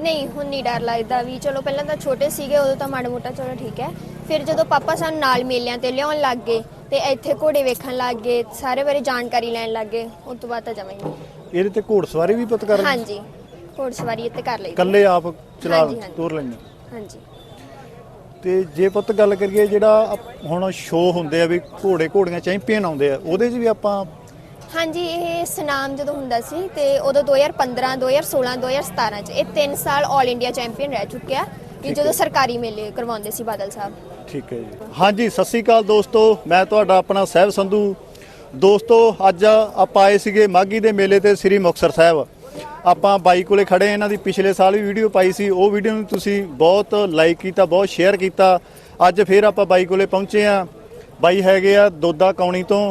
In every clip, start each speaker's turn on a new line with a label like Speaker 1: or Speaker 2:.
Speaker 1: ਨਹੀਂ ਹੁਣ ਨਹੀਂ ਡਰ ਲੱਗਦਾ ਵੀ ਚਲੋ ਪਹਿਲਾਂ ਤਾਂ ਛੋਟੇ ਸੀਗੇ ਉਦੋਂ ਤਾਂ ਮਾੜਾ ਮੋਟਾ ਚਲੋ ਠੀਕ ਹੈ। ਫਿਰ ਜਦੋਂ ਪਾਪਾ ਸਾਨੂੰ ਨਾਲ ਮੇਲਿਆਂ ਤੇ ਲਿਆਉਣ ਲੱਗ ਗਏ ਤੇ ਇੱਥੇ ਘੋੜੇ ਵੇਖਣ ਲੱਗ ਗਏ, ਸਾਰੇ ਬਾਰੇ ਜਾਣਕਾਰੀ ਲੈਣ ਲੱਗ ਗਏ, ਉਸ ਤੋਂ ਬਾਅਦ ਤਾਂ ਜਮਾਂ ਹੀ ਨਹੀਂ।
Speaker 2: ਇਹਦੇ ਤੇ ਘੋੜਸਵਾਰੀ ਵੀ ਪੁੱਤ ਕਰ
Speaker 1: ਹਾਂਜੀ ਘੋੜਸਵਾਰੀ ਇੱਥੇ ਕਰ ਲਈ
Speaker 2: ਇਕੱਲੇ ਆਪ ਚਲਾ
Speaker 1: ਹਾਂਜੀ, ਹਾਂਜੀ।
Speaker 2: ਤੋਰ ਲੈਂਦੇ?
Speaker 1: ਹਾਂਜੀ।
Speaker 2: ਤੇ ਜੇ ਪੁੱਤ ਗੱਲ ਕਰੀਏ ਜਿਹੜਾ ਹੁਣ ਸ਼ੋਅ ਹੁੰਦੇ ਆ ਵੀ ਘੋੜੇ ਘੋੜੀਆਂ ਚੈਂਪੀਅਨ ਆਉਂਦੇ ਆ, ਉਹਦੇ 'ਚ ਵੀ ਆਪਾਂ?
Speaker 1: ਹਾਂਜੀ ਇਹ ਸਨਾਮ ਜਦੋਂ ਹੁੰਦਾ ਸੀ ਤੇ ਉਦੋਂ 2015 2016 2017 ਚ ਇਹ 3 ਸਾਲ ਆਲ ਇੰਡੀਆ ਚੈਂਪੀਅਨ ਰਹਿ ਚੁੱਕਿਆ ਕਿ ਜਦੋਂ ਸਰਕਾਰੀ ਮੇਲੇ ਕਰਵਾਉਂਦੇ ਸੀ ਬਾਦਲ ਸਾਹਿਬ।
Speaker 2: ਠੀਕ ਹੈ ਜੀ। ਹਾਂਜੀ ਸਤਿ ਸ੍ਰੀ ਅਕਾਲ ਦੋਸਤੋ, ਮੈਂ ਤੁਹਾਡਾ ਆਪਣਾ ਸਾਹਿਬ ਸੰਧੂ। ਦੋਸਤੋ ਅੱਜ ਆਪਾਂ ਆਏ ਸੀਗੇ ਮਾਘੀ ਦੇ ਮੇਲੇ ਤੇ ਸ੍ਰੀ ਮੁਕਤਸਰ ਸਾਹਿਬ। ਆਪਾਂ ਬਾਈ ਕੋਲੇ ਖੜੇ, ਇਹਨਾਂ ਦੀ ਪਿਛਲੇ ਸਾਲ ਵੀ ਵੀਡੀਓ ਪਾਈ ਸੀ, ਉਹ ਵੀਡੀਓ ਨੂੰ ਤੁਸੀਂ ਬਹੁਤ ਲਾਈਕ ਕੀਤਾ, ਬਹੁਤ ਸ਼ੇਅਰ ਕੀਤਾ। ਅੱਜ ਫਿਰ ਆਪਾਂ ਬਾਈ ਕੋਲੇ ਪਹੁੰਚੇ ਆ। ਬਾਈ ਹੈਗੇ ਆ ਦੋਦਾ ਕੌਣੀ ਤੋਂ।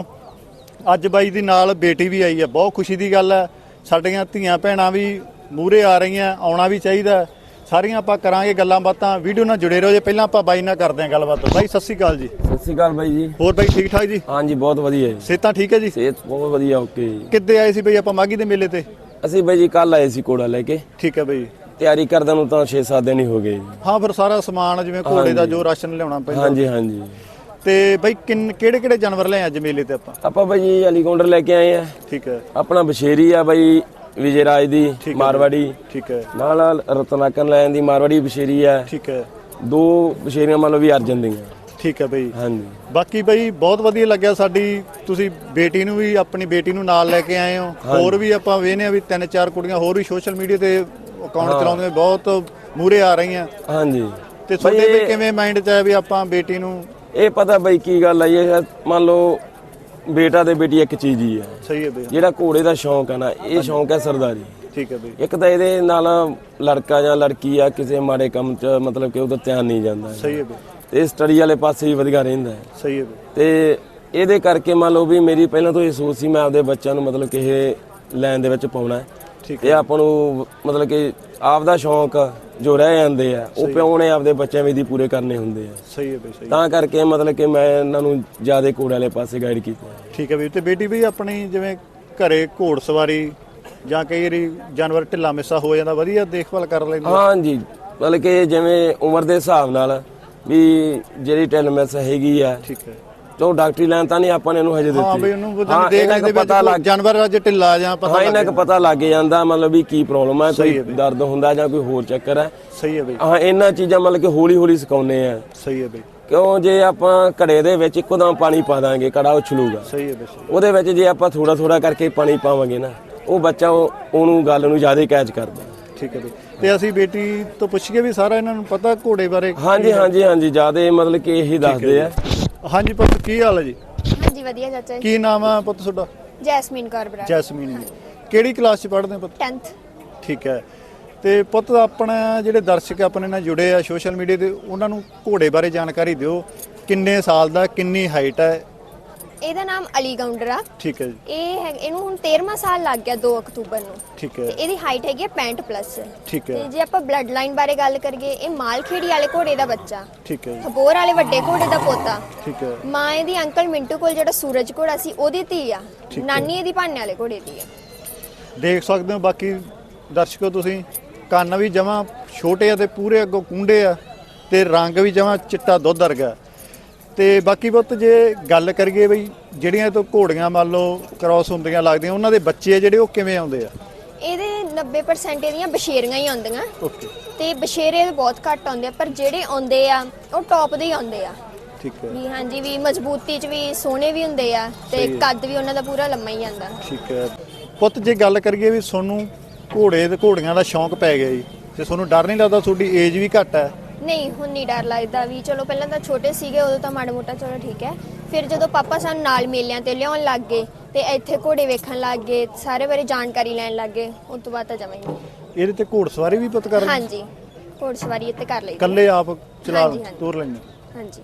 Speaker 2: ਅੱਜ ਬਾਈ ਦੀ ਨਾਲ ਬੇਟੀ ਵੀ ਆਈ ਹੈ, ਬਹੁਤ ਖੁਸ਼ੀ ਦੀ ਗੱਲ ਹੈ। ਸਾਡੀਆਂ ਧੀਆਂ ਭੈਣਾਂ ਵੀ ਮੂਹਰੇ ਆ ਰਹੀਆਂ, ਆਉਣਾ ਵੀ ਚਾਹੀਦਾ। ਸਾਰੀਆਂ ਆਪਾਂ ਕਰਾਂਗੇ ਗੱਲਾਂ ਬਾਤਾਂ, ਵੀਡੀਓ ਨਾਲ ਜੁੜੇ ਰਹੋ। ਜੇ ਪਹਿਲਾਂ ਆਪਾਂ ਬਾਈ ਨਾਲ ਕਰਦੇ ਹਾਂ ਗੱਲਬਾਤ। ਬਾਈ ਸਤਿ ਸ੍ਰੀ ਅਕਾਲ ਜੀ।
Speaker 3: ਸਤਿ ਸ਼੍ਰੀ ਅਕਾਲ ਬਾਈ ਜੀ।
Speaker 2: ਹੋਰ ਬਾਈ ਠੀਕ ਠਾਕ ਜੀ?
Speaker 3: ਹਾਂਜੀ ਬਹੁਤ ਵਧੀਆ ਜੀ।
Speaker 2: ਸਿਹਤਾਂ ਠੀਕ ਹੈ ਜੀ?
Speaker 3: ਸਿਹਤ ਬਹੁਤ ਵਧੀਆ, ਓਕੇ ਜੀ।
Speaker 2: ਕਿੱਦੇ ਆਏ ਸੀ ਬਈ ਆਪਾਂ ਮਾਘੀ ਦੇ ਮੇਲੇ ਤੇ?
Speaker 3: ਅਸੀਂ ਬਾਈ ਜੀ ਕੱਲ ਆਏ ਸੀ ਕੋੜਾ ਲੈ ਕੇ।
Speaker 2: ਠੀਕ ਹੈ ਬਈ।
Speaker 3: ਤਿਆਰੀ ਕਰਦਿਆਂ ਨੂੰ ਤਾਂ 6-7 ਦਿਨ ਹੀ ਹੋ ਗਏ ਜੀ।
Speaker 2: ਹਾਂ ਫਿਰ ਸਾਰਾ ਸਮਾਨ ਜਿਵੇਂ ਘੋੜੇ ਦਾ ਜੋ ਰਾਸ਼ਨ ਲਿਆਉਣਾ ਪੈਂਦਾ।
Speaker 3: ਹਾਂਜੀ ਹਾਂਜੀ।
Speaker 2: ਤੇ ਬਈ ਕਿਹੜੇ ਕਿਹੜੇ ਜਾਨਵਰ ਲਿਆਏ ਅੱਜ ਮੇਲੇ ਤੇ ਆਪਾਂ
Speaker 3: ਬਾਈ ਜੀ ਅਲੀਗੌਂਡਰ ਲੈ ਕੇ ਆਏ ਆ।
Speaker 2: ਠੀਕ ਹੈ।
Speaker 3: ਆਪਣਾ ਬਸ਼ੇਰੀ ਆ ਬਾਈ ਵਿਜੇ ਰਾਜ ਦੀ ਮਾਰਵਾੜੀ।
Speaker 2: ਠੀਕ ਹੈ।
Speaker 3: ਨਾਲ ਰਤਨਾਕਰ ਲੈਣ ਦੀ ਮਾਰਵਾੜੀ ਬਸ਼ੇਰੀ ਆ।
Speaker 2: ਠੀਕ ਹੈ।
Speaker 3: 2 ਬਸ਼ੇਰੀਆਂ ਮੰਨ ਲਓ ਵੀ ਅਰਜਨ ਦੀਆਂ।
Speaker 2: ਠੀਕ ਹੈ ਬਈ।
Speaker 3: ਹਾਂਜੀ।
Speaker 2: ਬਾਕੀ ਬਈ ਬਹੁਤ ਵਧੀਆ ਲੱਗਿਆ, ਸਾਡੀ ਤੁਸੀਂ ਬੇਟੀ ਨੂੰ ਵੀ, ਆਪਣੀ ਬੇਟੀ ਨੂੰ ਨਾਲ ਲੈ ਕੇ ਆਏ ਹੋ। ਹੋਰ ਵੀ ਆਪਾਂ ਵੇਖਦੇ ਆ ਵੀ 3-4 ਕੁੜੀਆਂ ਹੋਰ ਵੀ ਸੋਸ਼ਲ ਮੀਡੀਆ ਤੇ ਅਕਾਊਂਟ ਚਲਾਉਂਦੇ ਬਹੁਤ ਮੂਹਰੇ ਆ ਰਹੀਆਂ।
Speaker 3: ਹਾਂਜੀ।
Speaker 2: ਤੇ ਤੁਹਾਡੇ ਵੀ ਕਿਵੇਂ ਮਾਈਂਡ 'ਚ ਆਇਆ ਵੀ ਆਪਾਂ ਬੇਟੀ ਨੂੰ?
Speaker 3: ਇਹ ਪਤਾ ਬਾਈ ਕੀ ਗੱਲ ਆ, ਇਹ ਮੰਨ ਲਓ ਬੇਟਾ ਤੇ ਬੇਟੀ ਇੱਕ ਚੀਜ਼ ਹੀ ਆ।
Speaker 2: ਸਹੀ ਹੈ ਬਈ।
Speaker 3: ਜਿਹੜਾ ਘੋੜੇ ਦਾ ਸ਼ੌਂਕ ਹੈ ਨਾ, ਇਹ ਸ਼ੌਂਕ ਹੈ ਸਰਦਾਰੀ।
Speaker 2: ਠੀਕ ਹੈ ਬਈ।
Speaker 3: ਇੱਕ ਤਾਂ ਇਹਦੇ ਨਾਲ ਲੜਕਾ ਜਾਂ ਲੜਕੀ ਆ ਕਿਸੇ ਮਾੜੇ ਕੰਮ 'ਚ ਮਤਲਬ ਕਿ ਉਹਦਾ ਧਿਆਨ ਨਹੀਂ ਜਾਂਦਾ।
Speaker 2: ਸਹੀ ਹੈ ਬਈ।
Speaker 3: ਤੇ ਸਟੱਡੀ ਵਾਲੇ ਪਾਸੇ ਵੀ ਵਧੀਆ ਰਹਿੰਦਾ ਹੈ।
Speaker 2: ਸਹੀ ਹੈ ਬਈ।
Speaker 3: ਤੇ ਇਹਦੇ ਕਰਕੇ ਮੰਨ ਲਓ ਵੀ ਮੇਰੀ ਪਹਿਲਾਂ ਤੋਂ ਇਹ ਸੋਚ ਸੀ ਮੈਂ ਆਪਦੇ ਬੱਚਿਆਂ ਨੂੰ ਮਤਲਬ ਕਿ ਇਹ ਲਾਈਨ ਦੇ ਵਿੱਚ ਪਾਉਣਾ ਹੈ। ਇਹ ਆਪਾਂ ਨੂੰ ਮਤਲਬ ਕਿ ਆਪਦਾ ਸ਼ੌਂਕ ਜੋ ਰਹਿ ਜਾਂਦੇ ਆ ਉਹ ਪਿਓ ਨੇ ਆਪਦੇ ਬੱਚਿਆਂ ਵੀ ਦੀ ਪੂਰੇ ਕਰਨੇ ਹੁੰਦੇ ਆ।
Speaker 2: ਸਹੀ ਹੈ ਬਈ। ਸਹੀ। ਤਾਂ
Speaker 3: ਕਰਕੇ ਮਤਲਬ ਕਿ ਮੈਂ ਇਹਨਾਂ ਨੂੰ ਜ਼ਿਆਦਾ ਘੋੜੇ ਵਾਲੇ ਪਾਸੇ ਗਾਈਡ ਕੀਤਾ।
Speaker 2: ਠੀਕ ਹੈ ਬਈ। ਤੇ ਬੇਟੀ ਵੀ ਆਪਣੀ ਜਿਵੇਂ ਘਰੇ ਘੋੜ ਸਵਾਰੀ ਜਾਂ ਕਈ ਵਾਰੀ ਜਾਨਵਰ ਢਿੱਲਾ ਮਿੱਸਾ ਹੋ ਜਾਂਦਾ, ਵਧੀਆ ਦੇਖਭਾਲ ਕਰ ਲੈਂਦੇ?
Speaker 3: ਹਾਂਜੀ ਮਤਲਬ ਕਿ ਜਿਵੇਂ ਉਮਰ ਦੇ ਹਿਸਾਬ ਨਾਲ ਵੀ ਜਿਹੜੀ ਢਿੱਲ ਮਿੱਸ ਹੈਗੀ ਆ।
Speaker 2: ਠੀਕ ਹੈ।
Speaker 3: ਚਲੋ ਡਾਕਟਰੀ ਲਾਈਨ ਤਾਂ ਨਹੀਂ ਆਪਾਂ ਨੇ ਇਹਨੂੰ ਹਜੇ ਦਿੱਤੀ।
Speaker 2: ਹਾਂ ਬਈ ਉਹਨੂੰ ਦੇਖ ਲੈਂਦੇ ਪਤਾ ਲੱਗ ਜਾਨਵਰ ਅੱਜ ਢਿੱਲਾ ਜਾਂ ਪਤਾ
Speaker 3: ਇਹਨਾਂ ਨੂੰ ਪਤਾ ਲੱਗ ਜਾਂਦਾ ਮਤਲਬ ਵੀ ਕੀ ਪ੍ਰੋਬਲਮ ਹੈ, ਕੋਈ ਦਰਦ ਹੁੰਦਾ ਜਾਂ ਕੋਈ ਹੋਰ ਚੱਕਰ ਹੈ।
Speaker 2: ਸਹੀ ਹੈ ਬਈ।
Speaker 3: ਹਾਂ ਇਹਨਾਂ ਚੀਜ਼ਾਂ ਮਤਲਬ ਕਿ ਹੌਲੀ ਹੌਲੀ ਸਿਖਾਉਂਦੇ ਆ।
Speaker 2: ਸਹੀ ਹੈ ਬਈ।
Speaker 3: ਕਿਉਂ ਜੇ ਆਪਾਂ ਘੜੇ ਦੇ ਵਿੱਚ ਇੱਕੋਦਮ ਪਾਣੀ ਪਾ ਦਾਂਗੇ ਕੜਾ ਉਛਲੂਗਾ।
Speaker 2: ਸਹੀ ਹੈ ਬਈ।
Speaker 3: ਉਹਦੇ ਵਿੱਚ ਜੇ ਆਪਾਂ ਥੋੜਾ ਥੋੜਾ ਕਰਕੇ ਪਾਣੀ ਪਾਵਾਂਗੇ ਨਾ, ਉਹ ਬੱਚਾ ਉਹਨੂੰ ਗੱਲ ਨੂੰ ਜ਼ਿਆਦਾ ਕੈਚ ਕਰਦਾ।
Speaker 2: ਠੀਕ ਹੈ ਬਈ। ਤੇ ਅਸੀਂ ਬੇਟੀ ਤੋਂ ਪੁੱਛੀਏ ਵੀ ਸਾਰਾ ਇਹਨਾਂ ਨੂੰ ਪਤਾ ਘੋੜੇ ਬਾਰੇ?
Speaker 3: ਹਾਂਜੀ ਹਾਂਜੀ ਹਾਂਜੀ ਜ਼ਿਆਦਾ ਮਤਲਬ ਕਿ ਇਹੀ ਦੱਸਦੇ ਆ।
Speaker 2: ਹਾਂਜੀ ਪੁੱਤ ਕੀ ਹਾਲ ਹੈ ਜੀ?
Speaker 1: ਹਾਂਜੀ ਵਧੀਆ ਚਾਚਾ ਜੀ।
Speaker 2: ਕੀ ਨਾਮ ਆ ਪੁੱਤ ਤੁਹਾਡਾ?
Speaker 1: ਜੈਸਮੀਨ ਕੌਰ ਬਰਾੜ।
Speaker 2: ਜੈਸਮੀਨ। ਕਿਹੜੀ ਕਲਾਸ 'ਚ ਪੜ੍ਹਦੇ ਹੋ ਪੁੱਤ?
Speaker 1: 10th।
Speaker 2: ਠੀਕ ਹੈ। ਤੇ ਪੁੱਤ ਆਪਣਾ ਜਿਹੜੇ ਦਰਸ਼ਕ ਆਪਣੇ ਨਾਲ ਜੁੜੇ ਆ ਸੋਸ਼ਲ ਮੀਡੀਆ ਤੇ, ਉਹਨਾਂ ਨੂੰ ਘੋੜੇ ਬਾਰੇ ਜਾਣਕਾਰੀ ਦਿਓ। ਕਿੰਨੇ ਸਾਲ ਦਾ, ਕਿੰਨੀ ਹਾਈਟ ਹੈ?
Speaker 1: ਇਹਦਾ ਨਾਮ ਅਲੀਗੌਂਡਰ ਆ।
Speaker 2: ਠੀਕ ਹੈ ਜੀ।
Speaker 1: ਇਹਨੂੰ ਹੁਣ 13ਵਾਂ ਸਾਲ ਲੱਗ ਗਿਆ 2 ਅਕਤੂਬਰ ਨੂੰ।
Speaker 2: ਠੀਕ ਹੈ।
Speaker 1: ਤੇ ਇਹਦੀ ਹਾਈਟ ਹੈਗੀ 65+।
Speaker 2: ਠੀਕ ਹੈ।
Speaker 1: ਤੇ ਜੇ ਆਪਾਂ ਬਲੱਡ ਲਾਈਨ ਬਾਰੇ ਗੱਲ ਕਰੀਏ, ਇਹ ਮਾਲਖੇੜੀ ਵਾਲੇ ਘੋੜੇ ਦਾ ਬੱਚਾ।
Speaker 2: ਠੀਕ ਹੈ ਜੀ।
Speaker 1: ਹਬੋਰ ਵਾਲੇ ਵੱਡੇ ਘੋੜੇ ਦਾ ਪੋਤਾ।
Speaker 2: ਠੀਕ ਹੈ।
Speaker 1: ਮਾਂ ਇਹਦੀ ਅੰਕਲ ਮਿੰਟੂ ਕੋਲ ਜਿਹੜਾ ਸੂਰਜ ਘੋੜਾ ਸੀ ਉਹਦੀ ਧੀ ਆ। ਨਾਨੀ ਇਹਦੀ ਭਾਨੇ ਵਾਲੇ ਘੋੜੇ ਦੀ ਆ।
Speaker 2: ਦੇਖ ਸਕਦੇ ਹੋ ਬਾਕੀ ਦਰਸ਼ਕੋ ਤੁਸੀਂ, ਕੰਨ ਵੀ ਜਮਾਂ ਛੋਟੇ ਆ ਤੇ ਪੂਰੇ ਅੱਗੋਂ ਕੁੰਡੇ ਆ ਤੇ ਰੰਗ ਵੀ ਜਮਾਂ ਚਿੱਟਾ ਦੁੱਧ ਵਰਗਾ। ਤੇ ਬਾਕੀ ਪੁੱਤ ਜੇ ਗੱਲ ਕਰੀਏ ਬਈ ਜਿਹੜੀਆਂ ਤੋਂ ਘੋੜੀਆਂ ਮੰਨ ਲਓ ਕ੍ਰਾਸ ਹੁੰਦੀਆਂ ਲੱਗਦੀਆਂ, ਉਹਨਾਂ ਦੇ ਬੱਚੇ ਆ ਜਿਹੜੇ ਉਹ ਕਿਵੇਂ ਆਉਂਦੇ ਆ?
Speaker 1: ਇਹਦੇ 90% ਇਹਦੀਆਂ ਬਸ਼ੇਰੀਆਂ ਹੀ ਆਉਂਦੀਆਂ।
Speaker 2: ਓਕੇ।
Speaker 1: ਤੇ ਬਸ਼ੇਰੇ ਬਹੁਤ ਘੱਟ ਆਉਂਦੇ ਆ, ਪਰ ਜਿਹੜੇ ਆਉਂਦੇ ਆ ਉਹ ਟੌਪ ਦੇ ਹੀ ਆਉਂਦੇ ਆ।
Speaker 2: ਠੀਕ ਹੈ।
Speaker 1: ਵੀ ਹਾਂਜੀ ਵੀ ਮਜ਼ਬੂਤੀ 'ਚ ਵੀ ਸੋਹਣੇ ਵੀ ਹੁੰਦੇ ਆ ਤੇ ਕੱਦ ਵੀ ਉਹਨਾਂ ਦਾ ਪੂਰਾ ਲੰਮਾ ਹੀ ਆਂਦਾ।
Speaker 2: ਠੀਕ ਹੈ। ਪੁੱਤ ਜੇ ਗੱਲ ਕਰੀਏ ਵੀ ਤੁਹਾਨੂੰ ਘੋੜੇ ਤੇ ਘੋੜੀਆਂ ਦਾ ਸ਼ੌਂਕ ਪੈ ਗਿਆ ਜੀ, ਤੇ ਤੁਹਾਨੂੰ ਡਰ ਨਹੀਂ ਲੱਗਦਾ? ਤੁਹਾਡੀ ਏਜ ਵੀ ਘੱਟ ਹੈ।
Speaker 1: ਨਹੀਂ ਹੁਣ ਨਹੀਂ ਡਰ ਲੱਗਦਾ ਵੀ ਚਲੋ ਪਹਿਲਾਂ ਤਾਂ ਛੋਟੇ ਸੀਗੇ ਉਦੋਂ ਤਾਂ ਮਾੜਾ ਮੋਟਾ ਚਲੋ ਠੀਕ ਹੈ। ਫਿਰ ਜਦੋਂ ਪਾਪਾ ਸਾਨੂੰ ਨਾਲ ਮੇਲਿਆਂ ਤੇ ਲਿਆਉਣ ਲੱਗ ਗਏ ਤੇ ਇੱਥੇ ਘੋੜੇ ਵੇਖਣ ਲੱਗ ਗਏ, ਸਾਰੇ ਬਾਰੇ ਜਾਣਕਾਰੀ ਲੈਣ ਲੱਗ ਗਏ, ਉਸ ਤੋਂ ਬਾਅਦ ਤਾਂ ਜਮਾਂ ਹੀ ਨਹੀਂ।
Speaker 2: ਇਹਦੇ ਤੇ ਘੋੜਸਵਾਰੀ ਵੀ ਪੁੱਤ ਕਰ?
Speaker 1: ਹਾਂਜੀ ਘੋੜਸਵਾਰੀ ਇੱਥੇ ਕਰ ਲਈ।
Speaker 2: ਇਕੱਲੇ ਆਪ ਚਲਾ ਤੋਰ ਲੈਂਦੇ?
Speaker 1: ਹਾਂਜੀ।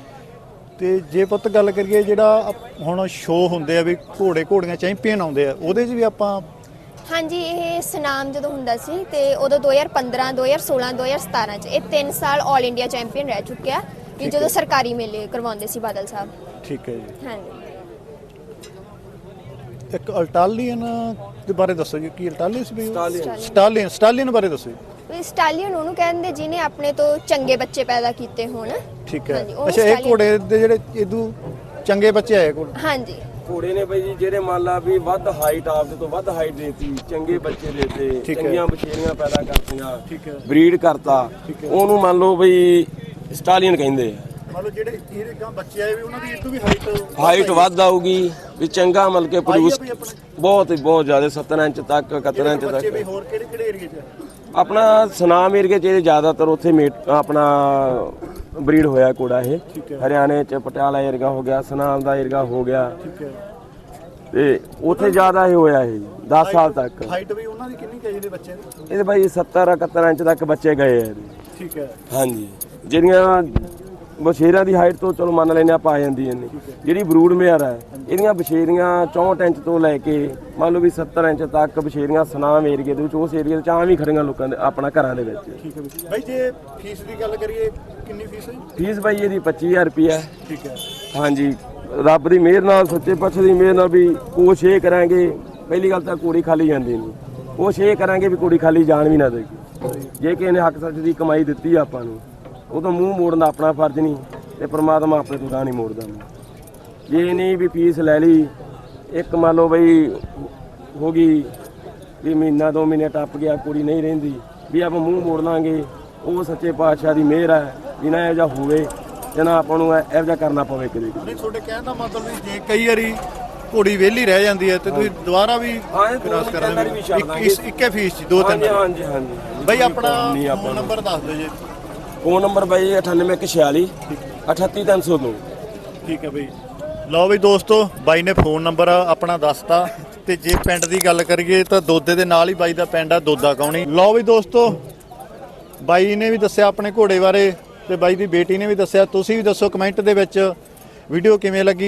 Speaker 2: ਤੇ ਜੇ ਪੁੱਤ ਗੱਲ ਕਰੀਏ ਜਿਹੜਾ ਹੁਣ ਸ਼ੋਅ ਹੁੰਦੇ ਆ ਵੀ ਘੋੜੇ ਘੋੜੀਆਂ ਚੈਂਪੀਅਨ ਆਉਂਦੇ ਆ, ਉਹਦੇ 'ਚ ਵੀ ਆਪਾਂ? ਹਾਂਜੀ
Speaker 1: ਇਹ ਸਨਾਮ ਜਦੋਂ ਹੁੰਦਾ ਸੀ ਤੇ ਉਦੋਂ 2015 2016 2017 ਚ ਇਹ 3 ਸਾਲ ਆਲ ਇੰਡੀਆ ਚੈਂਪੀਅਨ ਰਹਿ ਚੁੱਕਿਆ ਕਿ ਜਦੋਂ ਸਰਕਾਰੀ ਮੇਲੇ ਕਰਵਾਉਂਦੇ ਸੀ ਬਾਦਲ ਸਾਹਿਬ।
Speaker 2: ਠੀਕ ਹੈ ਜੀ।
Speaker 1: ਹਾਂਜੀ।
Speaker 2: ਇੱਕ ਅਲਟਾਲੀਅਨ ਦੇ ਬਾਰੇ ਦੱਸੋ ਜੀ, ਕੀ ਅਲਟਾਲੀਅਨ ਸੀ? ਸਟਾਲੀਅਨ ਬਾਰੇ ਦੱਸੋ ਜੀ।
Speaker 1: ਵੀ ਸਟਾਲੀਅਨ ਉਹਨੂੰ ਕਹਿੰਦੇ ਜਿਹਨੇ ਆਪਣੇ ਤੋਂ ਚੰਗੇ ਬੱਚੇ ਪੈਦਾ ਕੀਤੇ ਹੋਣ।
Speaker 2: ਠੀਕ ਹੈ।
Speaker 1: ਹਾਂਜੀ, ਉਹ
Speaker 2: ਅੱਛਾ, ਇਹ
Speaker 1: stallion-
Speaker 2: ਘੋੜੇ ਦੇ ਜਿਹੜੇ ਇਦੂ ਚੰਗੇ ਬੱਚੇ ਆਏ ਕੋਲ?
Speaker 1: ਹਾਂਜੀ
Speaker 3: ਘੋੜੇ ਨੇ ਬਾਈ ਜੀ ਜਿਹੜੇ ਮੰਨ ਲਾ ਵੀ ਵੱਧ ਹਾਈਟ ਆਪਦੇ ਤੋਂ ਵੱਧ ਹਾਈਟ ਦੇਤੀ, ਚੰਗੇ ਬੱਚੇ ਦੇਤੇ,
Speaker 2: ਠੀਕ ਹੈ।
Speaker 3: ਚੰਗੀਆਂ ਬਛੇਰੀਆਂ ਪੈਦਾ ਕਰਤੀਆਂ,
Speaker 2: ਠੀਕ ਹੈ।
Speaker 3: ਬਰੀਡ ਕਰਤਾ, ਉਹਨੂੰ ਮੰਨ ਲਓ ਬਈ ਸਟਾਲੀਅਨ ਕਹਿੰਦੇ ਆ।
Speaker 2: ਮੰਨ ਲਓ ਜਿਹੜੇ ਇਹਦੇ ਗਾਂ ਬੱਚੇ ਆਏ ਵੀ ਉਹਨਾਂ ਦੀ ਇਦੂ ਵੀ
Speaker 3: ਹਾਈਟ ਵੱਧ ਆਊਗੀ ਵੀ ਚੰਗਾ ਮਤਲਬ ਕਿ ਪ੍ਰੋਡਿਊਸ ਬਹੁਤ ਜ਼ਿਆਦਾ 70 ਇੰਚ ਤੱਕ 71 ਇੰਚ
Speaker 2: ਬੱਚੇ ਵੀ
Speaker 3: ਤੱਕ।
Speaker 2: ਹੋਰ ਕਿਹੜੇ ਏਰੀਏ 'ਚ?
Speaker 3: ਆਪਣਾ ਸੁਨਾਮ ਏਰੀਏ 'ਚ ਇਹ ਜ਼ਿਆਦਾਤਰ ਉੱਥੇ ਆਪਣਾ ਬਰੀਡ ਹੋਇਆ ਘੋੜਾ ਇਹ।
Speaker 2: ਠੀਕ ਹੈ।
Speaker 3: ਹਰਿਆਣੇ 'ਚ ਪਟਿਆਲਾ ਏਰੀਆ ਹੋ ਗਿਆ, ਸੁਨਾਮ ਦਾ ਏਰੀਆ ਹੋ ਗਿਆ,
Speaker 2: ਠੀਕ ਹੈ।
Speaker 3: ਤੇ ਉੱਥੇ ਜ਼ਿਆਦਾ ਇਹ ਹੋਇਆ ਇਹ 10 ਸਾਲ ਤੱਕ।
Speaker 2: ਹਾਈਟ ਵੀ ਉਹਨਾਂ ਦੀ ਕਿੰਨੀ ਕਹੀ ਦੇ ਬੱਚੇ ਦੀ?
Speaker 3: ਇਹਦੇ ਬਾਈ 70 71 ਇੰਚ ਤੱਕ ਬੱਚੇ ਗਏ ਆ ਇਹਦੇ।
Speaker 2: ਠੀਕ ਹੈ।
Speaker 3: ਹਾਂਜੀ, ਜਿਹੜੀਆਂ ਬਛੇਰਿਆਂ ਦੀ ਹਾਈਟ ਤੋਂ ਚਲੋ ਮੰਨ ਲੈਨੇ ਆਪਾਂ ਆ ਜਾਂਦੀ ਇੰਨੀ। ਜਿਹੜੀ ਬਰੂਡ ਮੇਅਰ ਹੈ ਇਹਦੀਆਂ ਬਛੇਰੀਆਂ 64 ਇੰਚ ਤੋਂ ਲੈ ਕੇ ਮੰਨ ਲਓ ਵੀ 70 ਇੰਚ ਤੱਕ ਬਛੇਰੀਆਂ ਸੁਨਾਮ ਏਰੀਏ ਦੇ ਵਿੱਚ, ਉਸ ਏਰੀਏ 'ਚ ਆਮ ਹੀ ਖੜੀਆਂ ਲੋਕਾਂ ਦੇ ਆਪਣਾ ਘਰਾਂ ਦੇ ਵਿੱਚ।
Speaker 2: ਠੀਕ ਹੈ ਬਾਈ, ਜੇ ਫੀਸ ਦੀ ਗੱਲ ਕਰੀਏ ਕਿੰਨੀ ਫੀਸ ਹੈ?
Speaker 3: ਫੀਸ ਬਾਈ ਇਹਦੀ 25000 ਰੁਪਈਆ।
Speaker 2: ਠੀਕ ਹੈ।
Speaker 3: ਹਾਂਜੀ, ਰੱਬ ਦੀ ਮਿਹਰ ਨਾਲ, ਸੱਚੇ ਪਾਤਸ਼ਾਹ ਦੀ ਮਿਹਰ ਨਾਲ ਵੀ ਕੋਸ਼ਿਸ਼ ਇਹ ਕਰਾਂਗੇ, ਪਹਿਲੀ ਗੱਲ ਤਾਂ ਕੁੜੀ ਖਾਲੀ ਜਾਂਦੀ ਨਹੀਂ, ਕੋਸ਼ਿਸ਼ ਇਹ ਕਰਾਂਗੇ ਵੀ ਕੁੜੀ ਖਾਲੀ ਜਾਣ ਵੀ ਨਾ ਦੇਗੀ। ਜੇ ਕਿਸੇ ਨੇ ਹੱਕ ਸੱਚ ਦੀ ਕਮਾਈ ਦਿੱਤੀ ਆ ਆਪਾਂ ਨੂੰ, ਉਹ ਤਾਂ ਮੂੰਹ ਮੋੜਨ ਦਾ ਆਪਣਾ ਫਰਜ਼ ਨਹੀਂ, ਤੇ ਪ੍ਰਮਾਤਮਾ ਆਪਣੇ ਤੋਂ ਨਹੀਂ ਮੋੜਦਾ। ਜੇ ਨਹੀਂ ਵੀ ਫੀਸ ਲੈ ਲਈ, ਇੱਕ ਮੰਨ ਲਓ ਬਈ ਹੋ ਗਈ ਵੀ ਮਹੀਨਾ 2 ਮਹੀਨੇ ਟੱਪ ਗਿਆ, ਕੁੜੀ ਨਹੀਂ ਰਹਿੰਦੀ, ਵੀ ਆਪਾਂ ਮੂੰਹ ਮੋੜ ਲਾਂਗੇ, ਉਹ ਸੱਚੇ ਪਾਤਸ਼ਾਹ ਦੀ ਮਿਹਰ ਹੈ ਵੀ ਨਾ ਇਹੋ ਜਿਹਾ ਹੋਵੇ ਤੇ ਨਾ ਆਪਾਂ ਨੂੰ ਇਹੋ ਜਿਹਾ ਕਰਨਾ ਪਵੇ ਕਦੇ।
Speaker 2: ਨਹੀਂ, ਤੁਹਾਡੇ ਕਹਿਣ ਦਾ ਮਤਲਬ ਵੀ ਜੇ ਕਈ ਵਾਰੀ ਘੋੜੀ ਵਿਹਲੀ ਰਹਿ ਜਾਂਦੀ ਹੈ ਤੇ ਤੁਸੀਂ ਦੁਬਾਰਾ ਵੀ ਕ੍ਰਾਸ ਕਰਾਂਗੇ ਇੱਕੇ ਫੀਸ 'ਚ 2-3?
Speaker 3: ਹਾਂਜੀ ਹਾਂਜੀ
Speaker 2: ਬਾਈ ਆਪਣਾ ਫੋਨ ਨੰਬਰ ਦੱਸ ਦਿਓ ਜੀ।
Speaker 3: ਫੋਨ ਨੰਬਰ ਬਾਈ 9846 38302।
Speaker 2: ਠੀਕ ਹੈ ਬਾਈ। ਲਓ ਵੀ ਦੋਸਤੋ, ਬਾਈ ਨੇ ਫੋਨ ਨੰਬਰ ਆਪਣਾ ਦੱਸਤਾ। ਤੇ ਜੇ ਪਿੰਡ ਦੀ ਗੱਲ ਕਰੀਏ ਤਾਂ ਦੋਦੇ ਦੇ ਨਾਲ ਹੀ ਬਾਈ ਦਾ ਪਿੰਡ ਆ, ਦੋਦਾ ਕੌਣੀ। ਲਓ ਵੀ ਦੋਸਤੋ, ਬਾਈ ਨੇ ਵੀ ਦੱਸਿਆ ਆਪਣੇ ਘੋੜੇ ਬਾਰੇ ਤੇ ਬਾਈ ਦੀ ਬੇਟੀ ਨੇ ਵੀ ਦੱਸਿਆ। ਤੁਸੀਂ ਵੀ ਦੱਸੋ ਕਮੈਂਟ ਦੇ ਵਿੱਚ ਵੀਡੀਓ ਕਿਵੇਂ ਲੱਗੀ।